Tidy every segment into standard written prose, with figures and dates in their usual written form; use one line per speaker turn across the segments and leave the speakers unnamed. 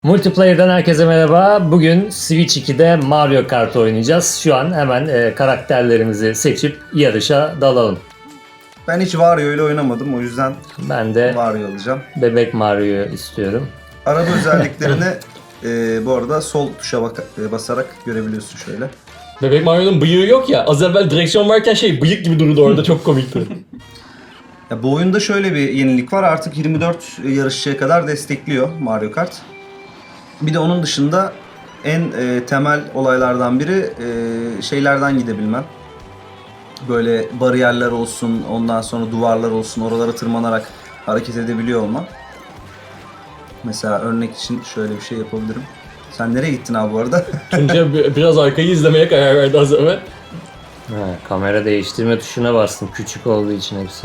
Multiplayer'dan herkese merhaba. Bugün Switch 2'de Mario Kart oynayacağız. Şu an hemen karakterlerimizi seçip yarışa dalalım.
Ben hiç Wario ile oynamadım, o yüzden
Ben de
Wario alacağım.
bebek Mario'yu istiyorum.
Araba özelliklerini bu arada sol tuşa basarak görebiliyorsun şöyle.
Bebek Mario'nun bıyığı yok ya. Az evvel direksiyon varken bıyık gibi durdu orada. Çok komikti.
Ya, bu oyunda şöyle bir yenilik var, artık 24 yarışçıya kadar destekliyor Mario Kart. Bir de onun dışında en temel olaylardan biri şeylerden gidebilmen. Böyle bariyerler olsun, ondan sonra duvarlar olsun, oralara tırmanarak hareket edebiliyor olman. Mesela örnek için şöyle bir şey yapabilirim. Sen nereye gittin abi bu arada?
Tunca biraz arkayı izlemeye karar verdi az evvel.
Kamera değiştirme tuşuna bastım. Küçük olduğu için hepsi.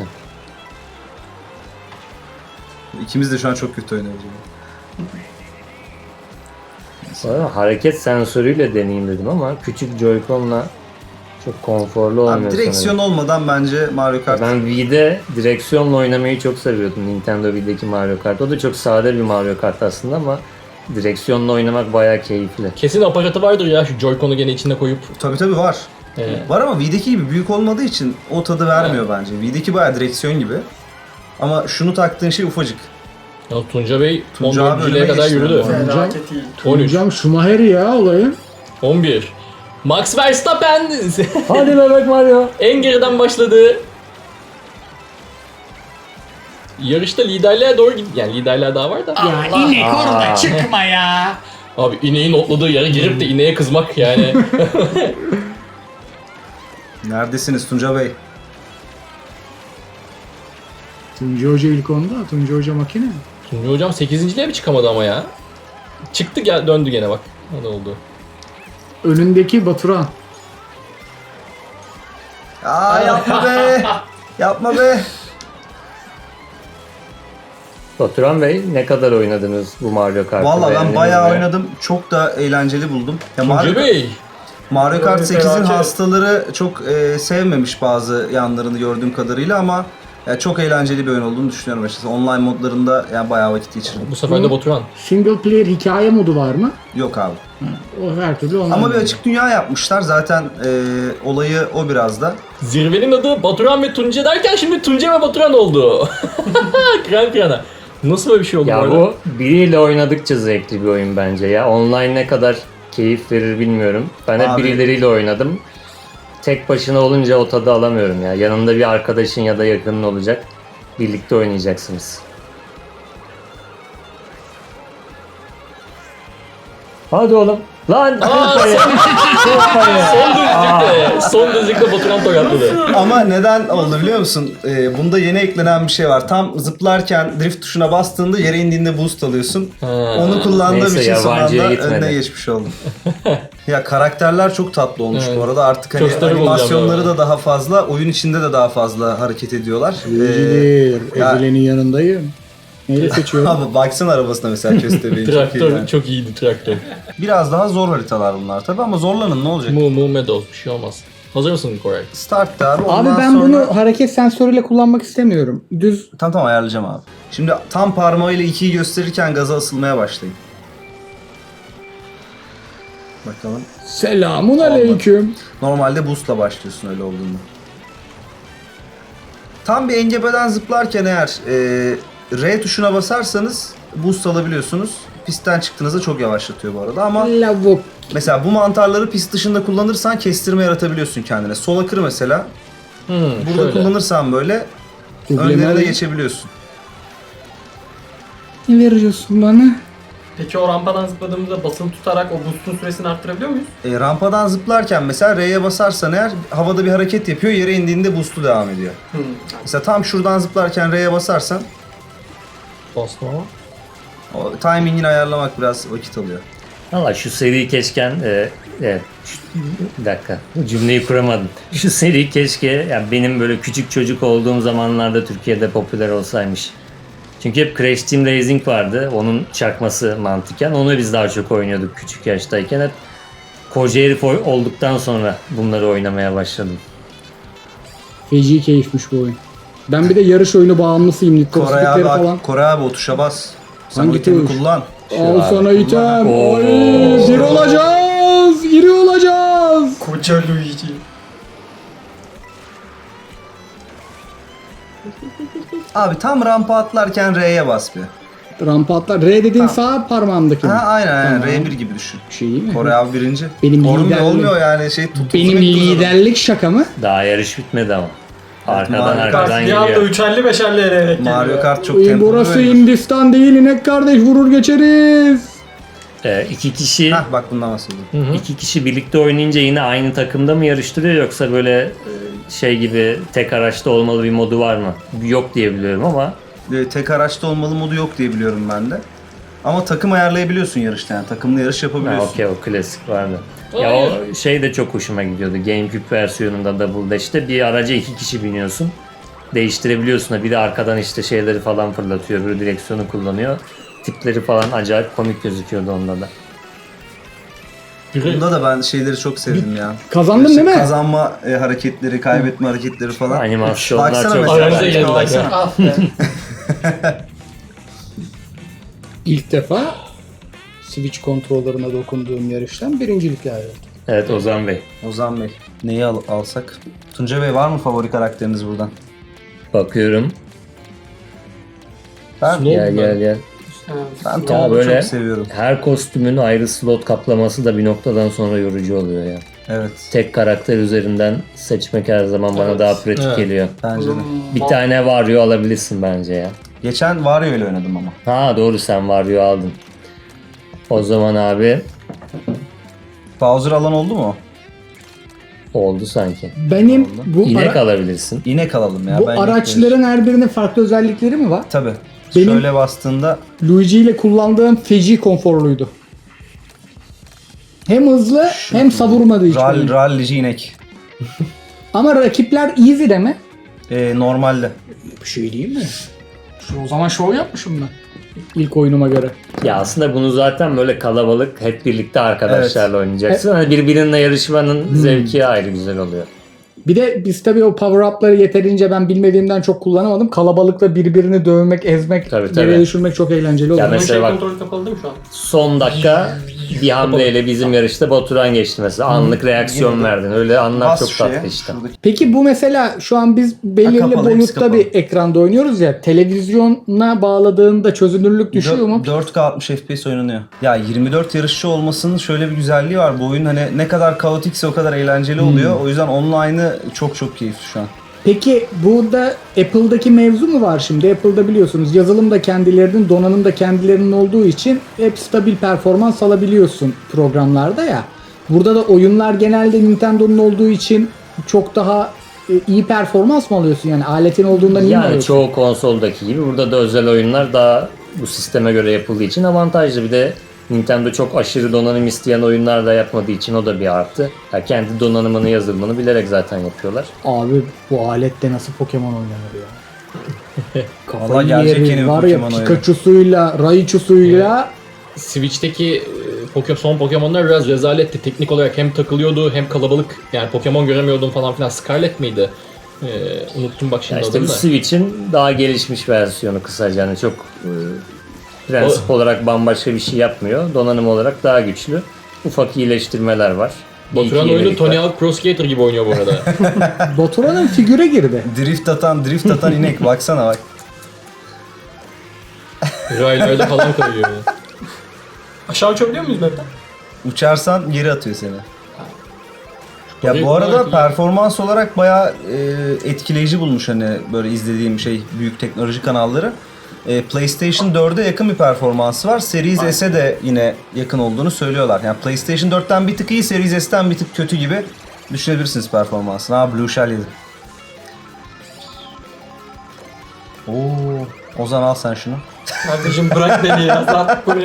İkimiz de şu an çok kötü oynuyoruz.
Hareket sensörüyle deneyeyim dedim ama küçük Joy-Con'la çok konforlu olmuyor
Abi direksiyon
sanırım.
olmadan bence Mario Kart...
Ben Wii'de direksiyonla oynamayı çok seviyordum. Nintendo Wii'deki Mario Kart. O da çok sade bir Mario Kart aslında ama direksiyonla oynamak bayağı keyifli.
Kesin aparatı vardır ya şu Joy-Con'u gene içine koyup.
Tabii var.
Evet.
Var ama Wii'deki gibi büyük olmadığı için o tadı vermiyor bence. Wii'deki bayağı direksiyon gibi. Ama şunu taktığın şey ufacık.
Ya Tunca Bey
Tunca abi
14. kadar
önüme
yürüdü.
geçti.
Felaket iyi.
13,
Hocam Schumacher ya olayın.
11. Max Verstappen
Hadi bebek Mario.
en geriden başladı. Yarışta liderliğe doğru gidiyor. Yani liderliğe daha var da.
Ya inek orada çıkma ya.
Abi ineğin otladığı yere girip de ineğe kızmak yani.
Neredesiniz Tunca Bey?
Tunca Hoca ilk onda, Tunca Hoca makine.
Tunca hocam 8.liğe mi çıkamadı ama ya? Çıktı gel döndü gene bak. Ne oldu?
Önündeki Baturan.
Aa yapma be! Yapma be!
Baturan Bey ne kadar oynadınız bu Mario Kart'ı?
Valla ben
Beğendiniz
bayağı
mi?
oynadım. Çok da eğlenceli buldum. Ya
Tunca Bey.
Mario Kart
Böyle
8'in
felaket.
hastaları çok sevmemiş bazı yanlarını gördüğüm kadarıyla ama ya, çok eğlenceli bir oyun olduğunu düşünüyorum açıkçası. Online modlarında yani bayağı vakit geçirdim.
Bu sefer de Baturan.
Single player hikaye modu var mı?
Yok abi.
O her türlü online.
Ama bir açık dünya yapmışlar. Zaten olayı o biraz da.
Zirvenin adı Baturan ve Tunca derken şimdi Tunca ve Baturan oldu. Kıran kırana. Nasıl böyle bir şey oldu
Ya
bu arada?
bu biriyle oynadıkça zevkli bir oyun bence ya. Online ne kadar keyif verir bilmiyorum. Ben hep
Abi.
birileriyle oynadım. Tek başına olunca o tadı alamıyorum ya. Yanında bir arkadaşın ya da yakının olacak. Birlikte oynayacaksınız. Hadi oğlum. Lan!
Son düzlükte Baturan tokatladı.
Ama neden oldu biliyor musun? Bunda yeni eklenen bir şey var. Tam zıplarken drift tuşuna bastığında yere indiğinde boost alıyorsun. Onu kullandığım
Neyse,
için son anda
yabancıya gitmedi.
önüne geçmiş oldum. Ya karakterler çok tatlı olmuş
Evet.
bu arada. Artık hani
Çok stabil
animasyonları
olacağım
da daha fazla, oyun içinde de daha fazla hareket ediyorlar.
Bilgidir.
ya-
Ezile'nin yanındayım. Neyle seçiyorum?
Abi baksana arabasına mesela köstebeğin çok iyi
Traktör
yani.
çok iyiydi traktör.
Biraz daha zor haritalar bunlar tabi ama zorlanın ne olacak?
Mu Meadows bir şey olmaz. Hazır mısın Koray?
Start abi
Abi
ondan
ben
sonra...
bunu hareket sensörüyle kullanmak istemiyorum. Düz
Tamam ayarlayacağım abi. Şimdi tam parmağıyla 2'yi gösterirken gaza asılmaya başlayın. Bakalım.
selamun aleyküm.
Normalde boost'la başlıyorsun öyle olduğunda. Tam bir engebeden zıplarken eğer R tuşuna basarsanız boost alabiliyorsunuz. Pistten çıktığınızda çok yavaşlatıyor bu arada ama
Lavuk.
mesela bu mantarları pist dışında kullanırsan kestirme yaratabiliyorsun kendine. Sola kır mesela. Burada
Şöyle.
kullanırsan böyle önlerine geçebiliyorsun.
Ne veriyorsun bana?
Peki o rampadan zıpladığımızda basılı tutarak o boost'un süresini arttırabiliyor muyuz?
Rampadan zıplarken mesela R'ye basarsan eğer havada bir hareket yapıyor, yere indiğinde boost'u devam ediyor. Mesela tam şuradan zıplarken R'ye basarsan
Bastım ama.
o timingini ayarlamak biraz vakit alıyor.
Valla şu seri keşken bir dakika cümleyi kuramadım. Şu seri keşke yani benim böyle küçük çocuk olduğum zamanlarda Türkiye'de popüler olsaymış. Çünkü hep Crash Team Racing vardı. Onun çakması mantıken. Onu biz daha çok oynuyorduk küçük yaştayken. Hep koca herif olduktan sonra bunları oynamaya başladım.
Feci keyifmiş bu oyun. Ben bir de yarış oyunu bağımlısıyım. Need for Speed'leri falan.
Koray abi o tuşa bas. Sen
Hangi
o itemi
tuş?
kullan.
Al sana item.
Oo.
Oy, bir olacağız. İri olacağız.
Koca Luigi.
Abi tam rampa atlarken R'ye bas bir.
Rampa atlar. R dediğin sağ parmağımdaki mi?
Ha aynen
Tamam.
R1 gibi düşün.
Şey iyi mi?
Kore abi birinci.
Benim
olmuyor,
liderlik-
olmuyor yani şey tut.
Benim liderlik şaka mı?
Daha yarış bitmedi ama. Arkadan
Mario Kart
arkadan
Bir anda
geliyor.
3'erli 5'erli eleyerek geliyor.
Mario Kart çok
Oy,
tempolu.
burası
böyle.
Hindistan değil inek kardeş, vurur geçeriz.
İki kişi
Hah bak bundan bahsediyorum.
iki kişi birlikte oynayınca yine aynı takımda mı yarıştırıyor yoksa böyle şey gibi tek araçta olmalı bir modu var mı? Yok diye biliyorum ama
Tek araçta olmalı modu yok diye biliyorum ben de. Ama takım ayarlayabiliyorsun yarışta yani. Takımlı yarış yapabiliyorsun.
okey, o klasik vardı. Ya o şey de çok hoşuma gidiyordu. GameCube versiyonunda Double Dash'te bir araca iki kişi biniyorsun. Değiştirebiliyorsun da biri arkadan işte şeyleri falan fırlatıyor, biri direksiyonu kullanıyor. Tipleri falan acayip komik gözüküyordu onda da.
Bunda da ben şeyleri çok sevdim ya.
Kazandın değil mi?
Kazanma hareketleri, kaybetme hareketleri falan.
Animasyonlar
Baksana
çok
mesela.
Aranıza
güzel.
geldiler.
Baksana.
Ah be.
İlk defa Switch kontrollerine dokunduğum yarıştan birincilikle ayrıldım.
Evet Ozan Bey.
Ozan Bey. Neyi alsak? Tunca Bey var mı favori karakteriniz buradan?
Bakıyorum.
Ben,
Ne oldu
Gel
lan?
gel gel.
ben
Ya
Tom'u
böyle
çok seviyorum.
her kostümün ayrı slot kaplaması da bir noktadan sonra yorucu oluyor ya.
Evet.
Tek karakter üzerinden seçmek her zaman bana
Evet.
daha pratik
Evet.
geliyor.
Bence de.
Bir tane Wario alabilirsin bence ya.
Geçen Wario ile oynadım ama.
Ha doğru, sen Wario aldın. O zaman abi
Bowser alan oldu mu?
oldu sanki.
Benim bu,
İnek alabilirsin.
İnek alalım ya.
bu
ben
araçların her birinin farklı özellikleri mi var?
Tabii.
Benim-
Şöyle bastığında
Luigi ile kullandığım feci konforluydu. Hem hızlı hem savurmadı hiç. beni.
rallici inek.
Ama rakipler easy de mi?
Normalde.
Bir şey değil mi? O zaman şov yapmışım ben. İlk oyunuma göre.
Ya aslında bunu zaten böyle kalabalık hep birlikte arkadaşlarla oynayacaksın. Hani birbirinle yarışmanın zevki ayrı güzel oluyor.
Bir de biz tabii o power up'ları yeterince ben bilmediğimden çok kullanamadım. Kalabalıkla birbirini dövmek, ezmek,
Tabii,
yere
tabii.
düşürmek çok eğlenceli oluyor.
Ya
Bunun
mesela
şey
bak-
kontrolü kapalı değil mi şu an?
Son dakika bir hamleyle bizim yarışta Baturan geçti mesela. Anlık reaksiyon verdin. Öyle anlar
Bas
çok
şuraya,
tatlı işte.
şuradaki-
Peki bu mesela şu an biz belirli
kapalı, hepsi
boyutta
kapalı.
bir ekranda oynuyoruz ya. Televizyona bağladığında çözünürlük düşüyor mu?
4K 60 FPS oynanıyor. Ya 24 yarışçı olmasının şöyle bir güzelliği var. Bu oyun hani ne kadar kaotikse o kadar eğlenceli oluyor. O yüzden online'ı çok keyifli şu an.
Peki burada Apple'daki mevzu mu var şimdi? Apple'da biliyorsunuz yazılım da kendilerinin, donanım da kendilerinin olduğu için hep stabil performans alabiliyorsun programlarda ya. Burada da oyunlar genelde Nintendo'nun olduğu için çok daha iyi performans mı alıyorsun? Yani aletin olduğundan iyi mi
Yani
alıyorsun?
çoğu konsoldaki gibi burada da özel oyunlar daha bu sisteme göre yapıldığı için avantajlı. Bir de Nintendo çok aşırı donanım isteyen oyunlar da yapmadığı için o da bir artı. Ya kendi donanımını, yazılımını bilerek zaten yapıyorlar.
Abi bu alette nasıl Pokemon oynanır ya?
Valla
Kafayı
gelecek yeni
yerim.
bir
Var ya
Pokemon oyunu.
Pikachu'suyla, Raichu'suyla
Switch'teki son Pokemon'lar biraz rezaletti. Teknik olarak hem takılıyordu hem kalabalık. Yani Pokemon göremiyordum falan filan. Scarlet miydi? Unuttum bak
Ya
şimdi
işte bu
adını da.
Switch'in daha gelişmiş versiyonu kısaca. Yani çok prensip olarak bambaşka bir şey yapmıyor. Donanım olarak daha güçlü. Ufak iyileştirmeler var. Bir iki
Baturan oyunu
yenilik
Tony
var.
Hawk Pro Skater gibi oynuyor bu arada.
Baturan'ın figüre girdi.
Drift atan inek baksana bak.
Raylarda falan kayıyor.
Aşağı uçabiliyor muyuz map'ten?
Uçarsan geri atıyor seni. Ya
Orayı
bu arada
kullanarak iyi.
performans olarak bayağı etkileyici bulmuş hani böyle izlediğim büyük teknoloji kanalları. PlayStation 4'e yakın bir performansı var. Series S'e de yine yakın olduğunu söylüyorlar. Yani PlayStation 4'ten bir tık iyi, Series S'ten bir tık kötü gibi düşünebilirsiniz performansını. Ha Blue Shell yedi. Ozan al sen şunu.
Kardeşim bırak beni ya. Zaten bu ne?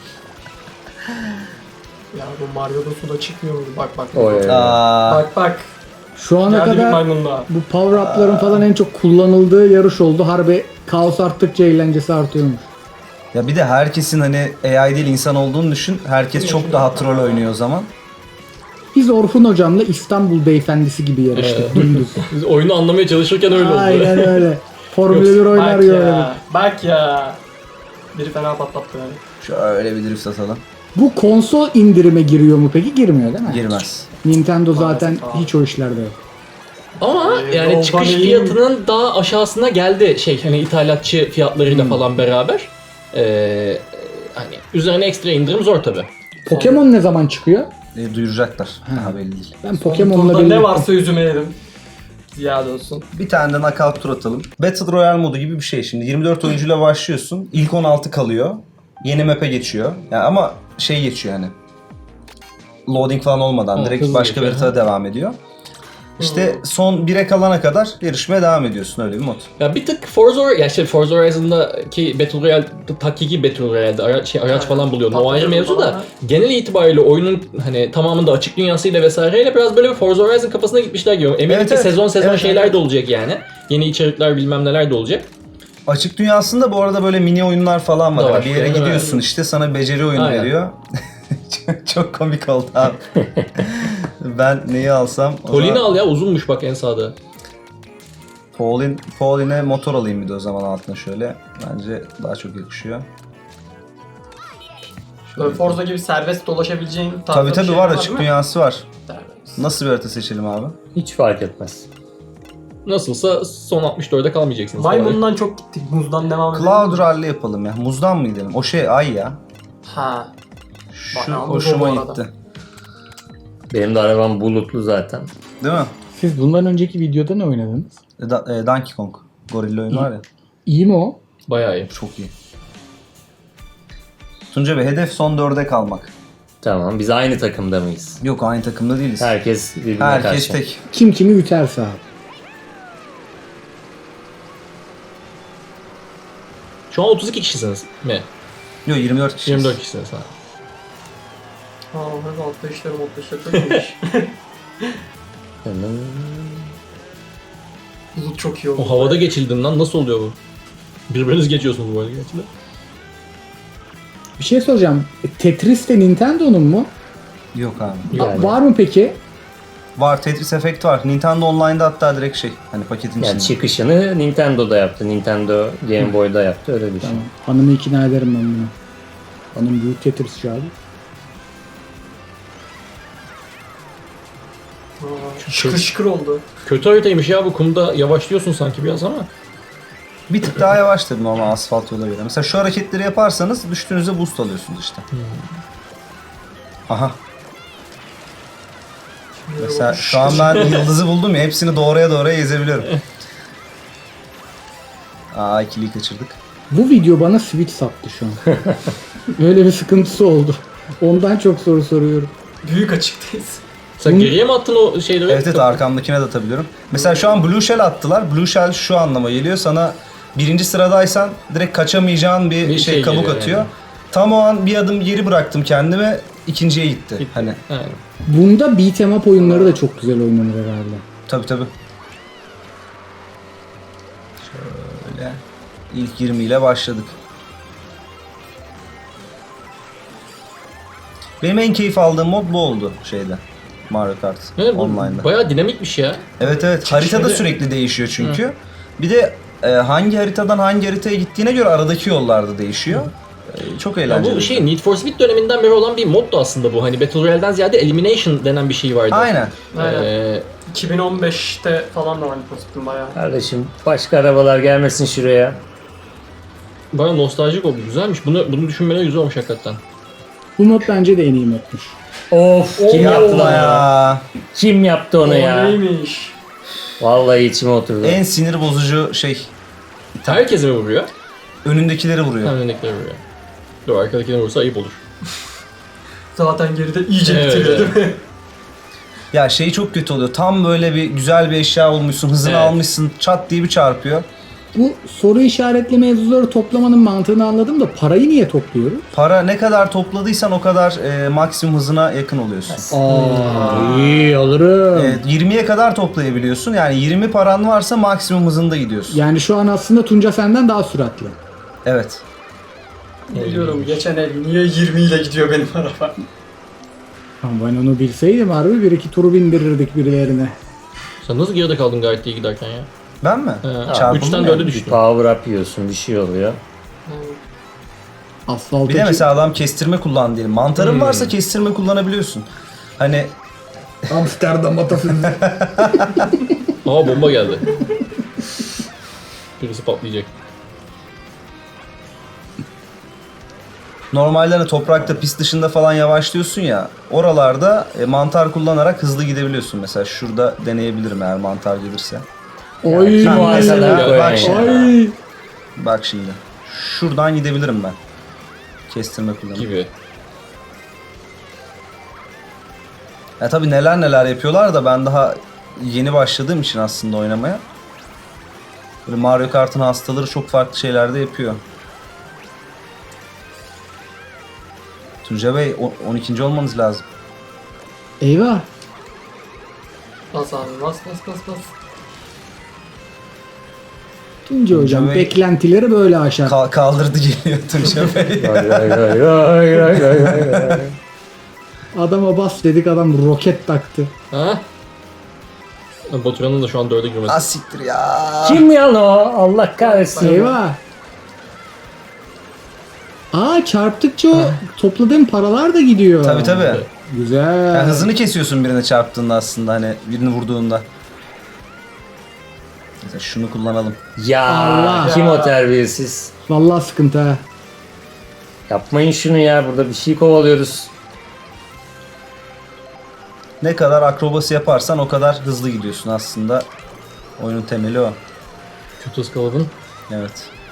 Ya bu Mario'da suda çıkmıyor mu? Bak.
Oy.
Bak.
Şu ana
Geldi bir
kadar
maymun daha.
bu power up'ların falan en çok kullanıldığı yarış oldu. Harbi kaos arttıkça eğlencesi artıyormuş.
Ya bir de herkesin hani AI değil insan olduğunu düşün. Herkes çok daha troll oynuyor o zaman.
Biz Orhun hocamla İstanbul beyefendisi gibi yarıştık dümdüz.
Biz oyunu anlamaya çalışırken öyle oldu.
Aynen öyle. Formula 1 oynar
Bak
gibi.
ya. Bak ya. Biri fena patlattı yani.
Şöyle bir drift atalım.
Bu konsol indirime giriyor mu peki? Girmiyor değil mi?
Girmez.
Nintendo zaten
Maalesef abi.
hiç o işlerde yok.
Ama yani
yoldan
çıkış
iyi.
fiyatının daha aşağısına geldi hani ithalatçı fiyatlarıyla falan beraber. Hani üzerine ekstra indirim zor tabi.
Pokemon ne zaman çıkıyor?
Duyuracaklar. Daha belli değil.
Ben
Turda
Pokemon'la
ne
birlikte...
varsa yüzüme yedim. Ziyade olsun.
Bir tane de knockout tur atalım. Battle Royale modu gibi bir şey. Şimdi 24 oyuncuyla başlıyorsun. İlk 16 kalıyor. Yeni map'e geçiyor. Yani ama şey geçiyor yani. Loading falan olmadan
Ha,
direkt
hızlı
başka bir
geçiyor,
haritada devam ediyor. İşte son 1'e kalana kadar yarışmaya devam ediyorsun, öyle bir mod.
Ya bir tık Forza Horizon'daki Battle Royale, hakiki Battle Royale'de araç falan buluyordun. O ayrı mevzu da genel itibariyle oyunun hani tamamında açık dünyasıyla vesaireyle biraz böyle bir Forza Horizon kafasına gitmişler gibi. Eminim
Evet,
ki
evet.
sezon
Evet,
şeyler
evet.
de olacak yani. Yeni içerikler bilmem neler de olacak.
Açık dünyasında bu arada böyle mini oyunlar falan var.
Da var.
Yani bir yere
Evet,
gidiyorsun
evet.
işte sana beceri oyunu
Aynen.
veriyor. Çok komik oldu abi. Ben neyi alsam? o
Pauline
zaman-
al ya, uzunmuş bak en sağda.
Pauline'e motor alayım bir de o zaman altına şöyle. Bence daha çok yakışıyor.
Böyle Forza gibi serbest dolaşabileceğin tarzda
Tabii
bir
tabii
şey
var,
değil
açık
mi?
dünyası var.
Serbest.
Nasıl bir harita seçelim abi?
Hiç fark etmez.
Nasılsa son 64'e kalmayacaksınız. falan.
Maymundan çok gittik. Muzdan devam edelim.
Cloud Rally yapalım ya. Muzdan mı gidelim? O şey ay ya.
Ha.
Şu
Bayağı muz o
hoşuma
bu arada.
gitti.
Benim de arabam bulutlu zaten.
Değil mi?
Siz bundan önceki videoda ne oynadınız?
Donkey Kong. Gorilla oyunu var ya.
İyi mi o?
Bayağı iyi.
Çok iyi. Tunca Bey, hedef son 4'e kalmak.
Tamam, biz aynı takımda mıyız?
Yok, aynı takımda değiliz.
Herkes birbirine
Herkes
karşı.
tek.
Kim kimi üterse abi.
Şu an 32 kişisiniz mi?
Yok, 24 kişi.
24 kişisiniz ha.
Aa, hadi altta işlerim çok iyiymiş. Bulut çok iyi oldu.
O havada geçildin lan, nasıl oluyor bu? Birbiriniz geçiyorsunuz bu arada gerçi de.
Bir şey soracağım. Tetris de Nintendo'nun mu?
Yok abi.
Yani-
Var mı peki?
Var, Tetris Effect var. Nintendo Online'da hatta direkt şey. Hani paketin
Yani
içinde.
çıkışını Nintendo'da yaptı. Nintendo Game Boy'da yaptı, öyle düşün.
Tamam. Hanımı ikna ederim ben bunu. Hanım büyük Tetrisçi abi.
Aa, şıkır şıkır oldu.
Kötü haritaymış ya bu, kumda yavaşlıyorsun sanki biraz ama.
Bir tık daha yavaş tabii normal asfalt yola göre. Mesela şu hareketleri yaparsanız düştüğünüzde boost alıyorsunuz işte. Aha. Mesela şu an ben yıldızı buldum ya, hepsini doğraya ezebiliyorum. Aa, ikiliyi kaçırdık.
Bu video bana Switch sattı şu an. Öyle bir sıkıntısı oldu. Ondan çok soru soruyorum.
Büyük açıktayız.
Sen geriye mi attın o şeyleri?
Evet, arkamdakine de atabiliyorum. Mesela şu an Blue Shell attılar. Blue Shell şu anlama geliyor. Sana birinci sıradaysan direkt kaçamayacağın bir şey kabuk
geliyor
atıyor.
yani.
Tam o an bir adım geri bıraktım kendime. İkinciye gitti.
Gitti.
Hani
Aynen.
Bunda beat'em up oyunları da çok güzel oynanır herhalde.
tabii. Şöyle ilk 20 ile başladık. Benim en keyif aldığım mod bu oldu şeyde. Mario Kart
Evet, bu
Online'da.
bayağı dinamikmiş ya.
Evet. Haritada
Şimdi-
sürekli değişiyor çünkü. Bir de hangi haritadan hangi haritaya gittiğine göre aradaki yollarda değişiyor. Çok
Ya
eğlenceli.
bu şey Need for Speed döneminden beri olan bir moddu aslında bu. Hani Battle Royale'den ziyade Elimination denen bir şey vardı.
Aynen.
Aynen. 2015'te falan da var Need bayağı.
Kardeşim başka arabalar gelmesin şuraya.
Baya nostaljik oldu. Güzelmiş. Bunu düşünmeleri güzel olmuş hakikaten.
Bu mod bence de en iyi modmuş.
Of, kim yaptı lan onu?
ya.
Kim yaptı onu
O
ya?
neymiş?
Vallahi içime oturdu.
En sinir bozucu şey.
Herkese mi vuruyor?
Önündekileri vuruyor.
Önündekileri vuruyor. Dur, arkadakine vursa ayıp olur.
Zaten geride iyice
Evet,
bitiriyor
evet.
değil mi?
Ya şey çok kötü oluyor. Tam böyle bir güzel bir eşya bulmuşsun, hızını
Evet.
almışsın, çat diye bir çarpıyor.
Bu soru işaretli mevzuları toplamanın mantığını anladım da parayı niye topluyoruz?
Para ne kadar topladıysan o kadar maksimum hızına yakın oluyorsun.
İyi alırım.
20'ye kadar toplayabiliyorsun. Yani 20 paran varsa maksimum hızında gidiyorsun.
Yani şu an aslında Tunca senden daha süratli.
Evet.
Biliyorum geçen el niye 20 ile gidiyor benim araba.
Ama ben onu bilseydim harbi bir iki turu bindirirdik birilerine.
Sen nasıl geride kaldın gayet iyi giderken ya?
Ben mi?
He.
Çarpıldım
3'ten
ya.
4'e
Bir
düştün.
power up yiyorsun, bir şey oluyor.
Asfalta
Bir de mesela adam kestirme kullan diyelim. Mantarın varsa kestirme kullanabiliyorsun. Hani
Amsterdam atasözü.
Aa bomba geldi. Birisi patlayacak.
normalde hani toprakta pist dışında falan yavaşlıyorsun ya. Oralarda mantar kullanarak hızlı gidebiliyorsun. Mesela şurada deneyebilirim eğer mantar gelirse.
Oy.
Kim o
Mesela
mesela
bak şimdi.
Ay.
Bak şimdi. Şuradan gidebilirim ben. Kestirme kullanıp.
Gibi.
Ya tabii neler neler yapıyorlar da ben daha yeni başladığım için aslında oynamaya. Böyle Mario Kart'ın hastaları çok farklı şeyler de yapıyor. Tunca Bey 12. olmanız lazım.
Eyvah.
Bas abi bas bas bas bas.
Tunca hocam
Bey-
beklentileri böyle aşar.
Kaldırdı geliyor Tunca Bey.
Vay vay vay vay vay vay vay.
Adama bas dedik, adam roket taktı.
Ha? Baturan'ın da şu an 4'e girmesi.
Asiktir ya.
Kim yan o? Allah kahretsin.
Eyvah. Aa, çarptıkça o topladığın paralar da gidiyor.
Tabii tabii.
Güzel.
Yani hızını kesiyorsun birine çarptığında aslında hani birini vurduğunda. Mesela şunu kullanalım.
Ya
Allah.
kim o terbiyesiz?
Vallahi sıkıntı ha.
Yapmayın şunu ya, burada bir şey kovalıyoruz.
Ne kadar akrobasi yaparsan o kadar hızlı gidiyorsun aslında. Oyunun temeli o.
Kötü ıskaladın.
Evet.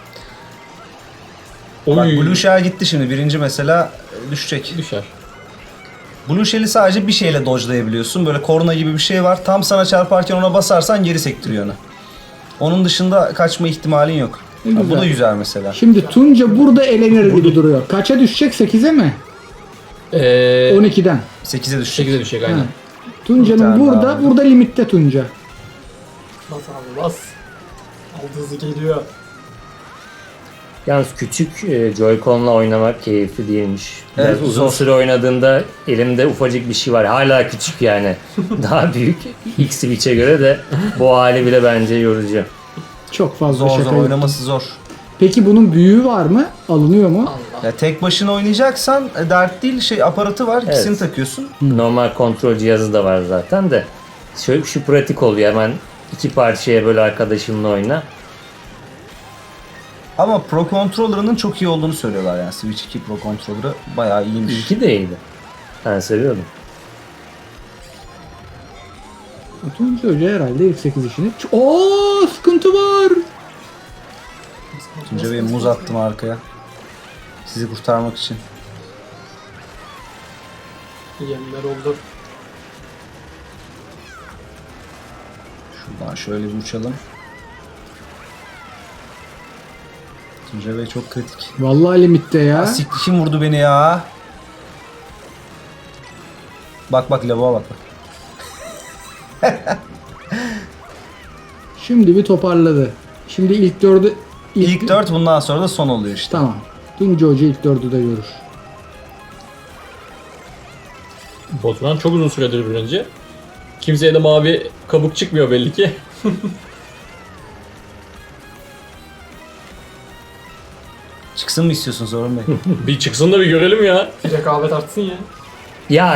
Oy.
Bak Blue Shell gitti şimdi. Birinci mesela düşecek.
Düşer.
Blue Shell'i sadece bir şeyle dodge'layabiliyorsun. Böyle korna gibi bir şey var. Tam sana çarparken ona basarsan geri sektiriyor onu. Onun dışında kaçma ihtimalin yok.
Ne
Ha, bu
güzel.
da güzel mesela.
Şimdi Tunca burada elenir gibi duruyor. Kaça düşecek? 8'e mi? 12'den.
8'e düşecek.
8'e düşecek aynen.
Ha. Tunca'nın
Bir tane
burada,
daha.
burada limitte Tunca.
Bas abi bas. Aldı hızı geliyor.
Yalnız küçük Joy-Con'la oynamak keyifli değilmiş. Biraz
Evet,
uzun
zor.
süre oynadığında elimde ufacık bir şey var. Hala küçük yani. Daha büyük X-Switch'e göre de bu hali bile bence yorucu.
Çok fazla
Zor
şaka
zor
yok.
oynaması zor.
Peki bunun büyüğü var mı? Alınıyor mu?
Allah.
Ya tek başına oynayacaksan dert değil, şey aparatı var, ikisini
Evet.
takıyorsun.
Normal kontrol cihazı da var zaten de. Şu pratik oluyor, hemen iki parçaya böyle arkadaşınla oyna.
Ama Pro Controller'ının çok iyi olduğunu söylüyorlar yani. Switch 2 Pro Controller'ı bayağı iyiymiş.
İlki de iyiydi. Ben seviyordum.
Tunca Hoca herhalde ilk 8 işini... Oo, sıkıntı var.
Tunca Bey muz attım arkaya. Sizi kurtarmak için.
Yemler oldu.
Şuradan şöyle bir uçalım. Tunca Bey çok kritik.
Vallahi limitte ya.
Siktir, kim vurdu beni ya? Bak bak lavuğa bak.
Şimdi bir toparladı. Şimdi ilk 4'ü...
İlk 4 bundan sonra da son oluyor işte.
Tamam. Tunca Hoca ilk 4'ü de görür.
Baturan çok uzun süredir birinci. Kimseye de mavi kabuk çıkmıyor belli ki.
Çıksın mı istiyorsun Zorun Bey?
Bir çıksın da bir görelim ya.
Bir rekabet artsın ya.
Ya,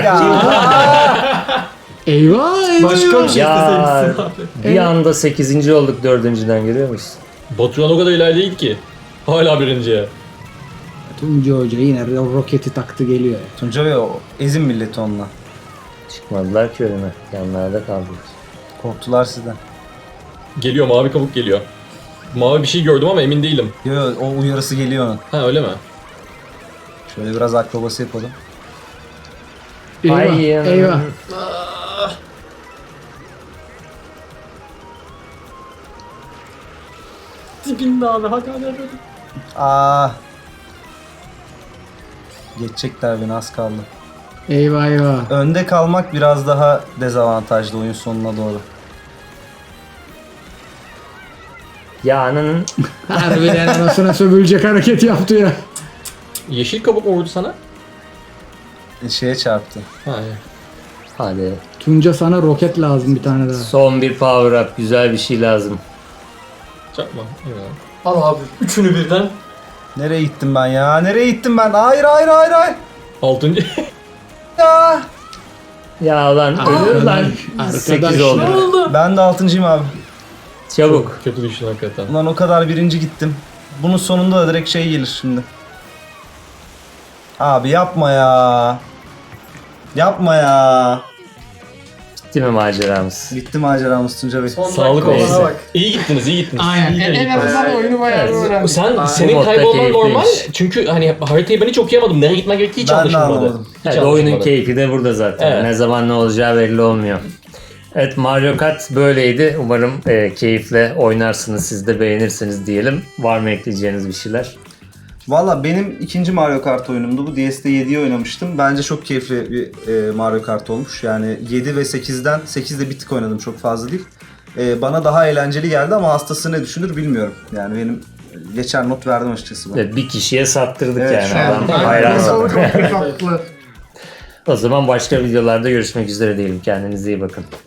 Eyvah eyvah.
Başka bir şey
Ya.
isteseymişsin abi.
bir anda 8. olduk 4.'den, görüyor musun?
Baturan o kadar ileride değil ki. Hala birinciye.
Tunca Hoca yine roketi taktı geliyor ya.
Tunca Bey o ezin milleti onunla.
Çıkmadılar ki önüme. Yanlarda kaldılar.
Korktular sizden.
Geliyor, mavi kabuk geliyor. Mavi bir şey gördüm ama emin değilim.
Yo, yo, o uyarısı geliyor onun.
Ha öyle mi?
Şöyle biraz akrobasi yapalım.
Eyvah.
Ay,
Eyvah.
Dibinde abi hadi hadi hadi.
Aa. Geçecekler beni, az kaldı.
Eyvah eyvah.
Önde kalmak biraz daha dezavantajlı oyun sonuna doğru.
Ya ananın
Harbiden anasına sövülecek hareket yaptı ya.
Yeşil kabuk mu vurdu sana?
Şeye çarptı.
Ha iyi.
hadi.
Tunca sana roket lazım bir tane daha.
Son bir power up. Güzel bir şey lazım.
Çarpma. Eyvallah.
Al abi üçünü birden.
Nereye gittim ben ya? Nereye gittim ben? Hayır hayır hayır hayır.
6.
Ya.
Ya lan ölür lan. 8 oldu.
Ben de 6.'yım abi.
Çabuk.
Kötü düştün hakikaten.
Ulan o kadar birinci gittim. Bunun sonunda da direkt şey gelir şimdi. Abi yapma ya. Yapma ya.
Bitti mi maceramız?
Bitti maceramız Tunca Bey.
Son
Sağlık
dakikalara
olsun.
bak.
İyi gittiniz, iyi gittiniz.
Aynen.
İyi de
En
gittiniz.
azından oyunu bayağı
Evet.
öğrendik.
Senin
modda
kaybolman
keyifliymiş.
normal. Çünkü hani haritayı ben hiç okuyamadım. Nereye gitmen gerektiği hiç
Ben de
anlaşılmadı.
anlamadım.
Hiç
Evet, oyunun
anlaşılmadı.
keyfi de burada zaten.
Evet.
Ne zaman ne olacağı belli olmuyor. Evet, Mario Kart böyleydi. Umarım keyifle oynarsınız, siz de beğenirsiniz diyelim. Var mı ekleyeceğiniz bir şeyler?
Valla benim ikinci Mario Kart oyunumdu. Bu DS'de 7'yi oynamıştım. Bence çok keyifli bir Mario Kart olmuş. Yani 7 ve 8'den 8'de bir tık oynadım, çok fazla değil. Bana daha eğlenceli geldi ama hastası ne düşünür bilmiyorum. Yani benim geçer not verdim açıkçası ben.
Evet, bir kişiye sattırdık
Evet,
yani.
şu an
Adam
ben-
hayran.
Çok haklı.
O zaman başka videolarda görüşmek üzere diyelim. Kendinize iyi bakın.